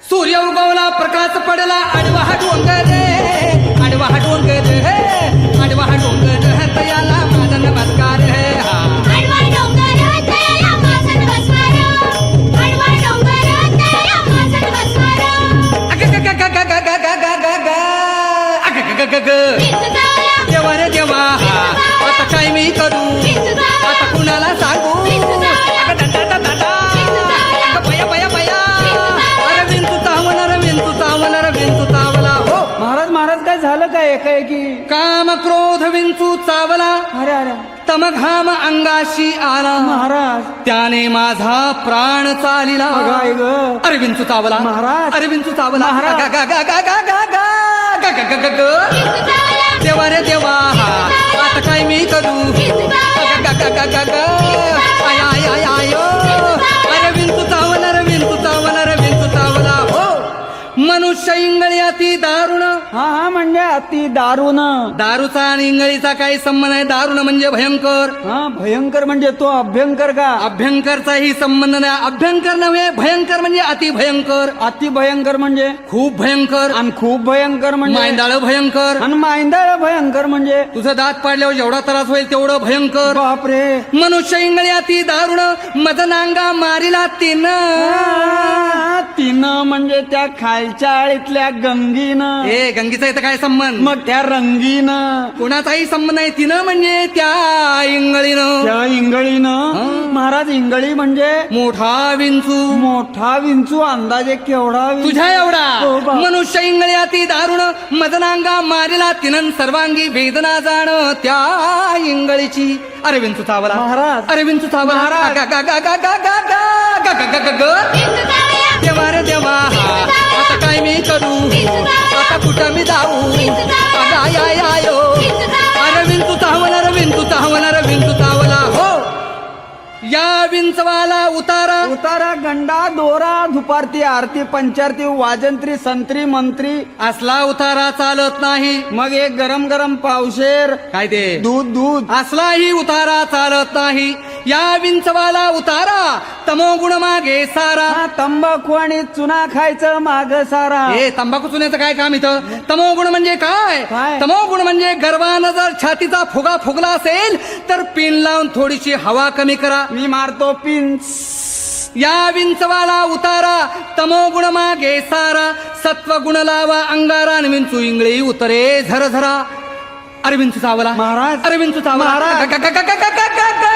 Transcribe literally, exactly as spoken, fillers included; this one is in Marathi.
सूर्य उगवला प्रकाश पडला आडवा हा डोंगर रे आडवा हा डोंगर हे आडवा हा डोंगर हे तयाला माझा नमस्कार हे हा आडवा डोंगर तयाला माझा नमस्कार आडवा डोंगर तयाला माझा नमस्कार अग ग ग ग ग ग ग ग ग ग अग ग ग ग ग देवा रे देवा आता काय मी करू आता कुणाला सांगू अग दा दा दा दा अग बया बया बया अरे विंचू चावला रे विंचू चावला रे विंचू चावला हो महाराज महाराज काय झालं काय एकाएकी काम क्रोध विंचू चावला अरे अरे तमघाम अंगाशी आला महाराज त्याने माझा प्राण चालिला बघाय ग अरे विंचू चावला महाराज. अरे विंचू चावला महाराज. गा गा गा गा गा गा गा गा गा गा गा गा. देवा रे देवा आता काय मी करू गा गा गा गा गा गा आय आय आय आय अरे विंचू चावला रे विंचू चावला रे विंचू चावला हो मनुष्य इंगळी अति दारुण हा हा म्हणजे अति दारुण दारूचा आणि इंगळीचा काही संबंध आहे दारुण म्हणजे भयंकर हा भयंकर म्हणजे तो अभ्यंकर का अभ्यंकरचाही संबंध नाही अभ्यंकर नव्हे भयंकर म्हणजे अति भयंकर अति भयंकर म्हणजे खूप भयंकर आणि खूप भयंकर म्हणजे मांदाळ भयंकर आणि मांदाळ भयंकर म्हणजे तुझं दात पाडल्यावर जेवढा त्रास होईल तेवढं भयंकर बापरे मनुष्य इंगळी अति दारुण मदनांगा मारिला तीन आ, तिनं म्हणजे त्या खालच्या आळीतल्या गंगीनं ए गंगीचा इथं काय संबंध मग त्या रंगीनं कोणाचाही संबंध नाही तिनं म्हणजे त्या इंगळीनं त्या इंगळीनं महाराज इंगळी म्हणजे मोठा विंचू मोठा विंचू अंदाजे केवढा विंचू? तुझ्या एवढा हो बा. मनुष्य इंगळी अति दारुण मदनांगा मारिला तिनं सर्वांगी वेदना जाण त्या इंगळीची अरे विंचू चावला महाराज. अरे विंचू चावला महाराज. गा गा गा गा गा गा गा गा गा गा गा गा. देवा रे देवा आता काय मी करू आता कुठं मी जाऊ अगं आय आय आयो अरे विंचू चावला रे विंचू चावला रे विंचू चावला हो या विंचवाला उतारा उतारा गंडा दोरा धुपारती आरती पंचारती वाजंत्री संत्री मंत्री असला उतारा चालत नाही मग एक गरम गरम पावशेर काय ते दूध दूध असलाही उतारा चालत नाही या विंचवाला उतारा तमोगुण मागे सारा हा तंबाखू आणि चुना खायचं माग सारा हे तंबाखू चुन्याचं काय काम इथं तमोगुण म्हणजे काय काय? तमोगुण म्हणजे गर्वानं जर छातीचा फुगा फुगला असेल तर पिन लावून थोडीशी हवा कमी करा मी मारतो पिन या विंचवाला उतारा तमोगुण मागे सारा सत्वगुण लावा अंगारा आणि विंचू इंगळी उतरे झरझरा अरे विंचू चावला महाराज. अरे विंचू चावला महाराज. गा- गा- गा- गा- गा- गा- गा- गा.